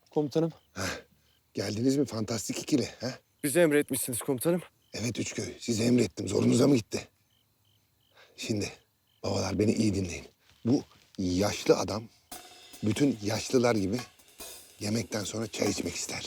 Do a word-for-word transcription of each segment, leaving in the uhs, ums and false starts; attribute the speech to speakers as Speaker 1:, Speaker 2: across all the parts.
Speaker 1: Komutanım.
Speaker 2: Geldiniz mi fantastik ikili? Ha?
Speaker 1: Bize emretmişsiniz komutanım.
Speaker 2: Evet Üçköy, size emrettim. Zorunuza mı gitti? Şimdi babalar beni iyi dinleyin. Bu yaşlı adam bütün yaşlılar gibi yemekten sonra çay içmek ister.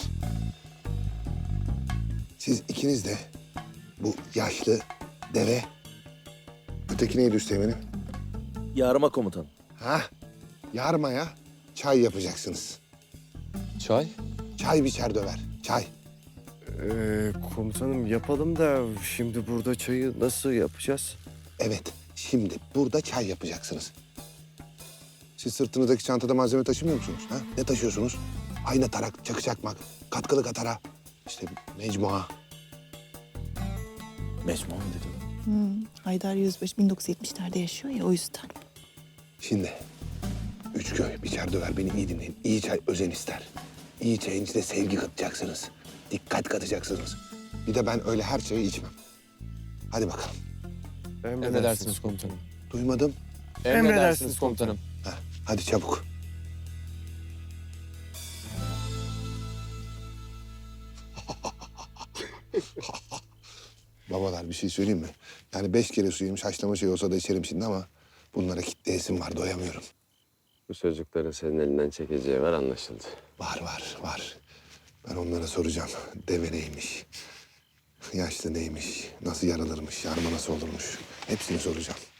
Speaker 2: Siz ikiniz de bu yaşlı deve, öteki neydi Üsteğmen'im?
Speaker 3: Yarıma komutanım.
Speaker 2: Ha? Yarmaya çay yapacaksınız.
Speaker 1: Çay?
Speaker 2: Çay biçer döver, çay.
Speaker 1: Ee, komutanım yapalım da şimdi burada çayı nasıl yapacağız?
Speaker 2: Evet, şimdi burada çay yapacaksınız. Siz sırtınızdaki çantada malzeme taşımıyor musunuz? Ha? Ne taşıyorsunuz? Ayna, tarak, çakı çakmak, katkılı katara, işte mecmua.
Speaker 3: Mecmua mı dedi o?
Speaker 4: Hmm, Haydar Yüzbaşı bin dokuz yüz yetmişlerde yaşıyor ya, o yüzden.
Speaker 2: Şimdi Üçköy, biçer döver beni iyi dinleyin. İyi çay özen ister. İyi çayın içine sevgi katacaksınız. Dikkat katacaksınız. Bir de ben öyle her çayı içmem. Hadi bakalım.
Speaker 1: Emredersiniz komutanım.
Speaker 2: Duymadım.
Speaker 1: Emredersiniz komutanım.
Speaker 2: Ha, hadi çabuk. Babalar bir şey söyleyeyim mi? Yani beş kere su yemiş haşlama şey olsa da içerim şimdi ama bunlara kitleyesim var, doyamıyorum.
Speaker 5: Bu çocukların senin elinden çekeceği var, anlaşıldı.
Speaker 2: Var var var. Ben onlara soracağım. Deve neymiş? Yaşlı neymiş? Nasıl yaralırmış? Yarma nasıl olurmuş? Hepsini soracağım.